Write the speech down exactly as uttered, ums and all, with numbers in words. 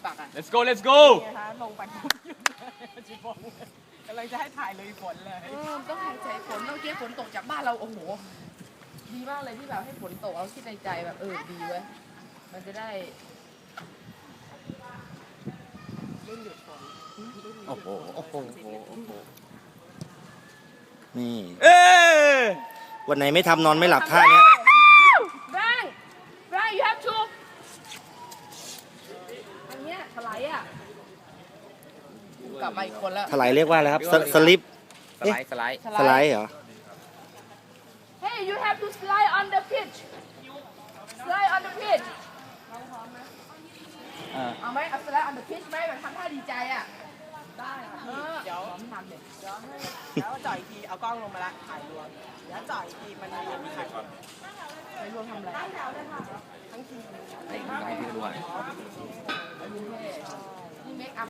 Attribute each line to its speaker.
Speaker 1: ปักอ่ะ
Speaker 2: let's go let's go
Speaker 1: นี่นะคะลงไปปุ๊บหยุดเลยจิบงกำลังจะให้ถ่ายเลยฝนเลยเออต้องหายใจฝนเมื่อกี้ฝนตกจากบ้านเราโอ้โหดีมากเลยที่แบบให้ฝนตกเราคิดในใจแบบเออดีเว้ยมันจะได้รุ่นหยุดฝน
Speaker 3: โอ้โหโอ้โหโอ้โหนี่
Speaker 2: เอ้ย
Speaker 3: วันไหนไม่ทำนอนไม่หลับท่าเนี้ย
Speaker 1: แบงแบง you have to อันเนี้ยถลายอ่ะกลับมาอีกคนแล้ว
Speaker 3: ถลายเรียกว่าอะไรครับสสลิป
Speaker 2: สไลด์สไลด์
Speaker 3: สไลด์เหรอ
Speaker 1: Hey you have to slide on the pitch slide on the pitch
Speaker 2: อ่า
Speaker 1: เอาไหมเอา slide on the pitch ไหมแบบทำท่าดีใจอ่ะได้ค่ะเดี๋ยวทำเด็กเดี๋ยวให้แล้วจ่อยอีกทีเอากล้องลงมาละถ่ายรวมเดี๋ยวจ่อยอีกทีมันมีถ่ายถ่ายรวมทำอะไรทั้งที
Speaker 2: ให้พี่ดูอ่ะ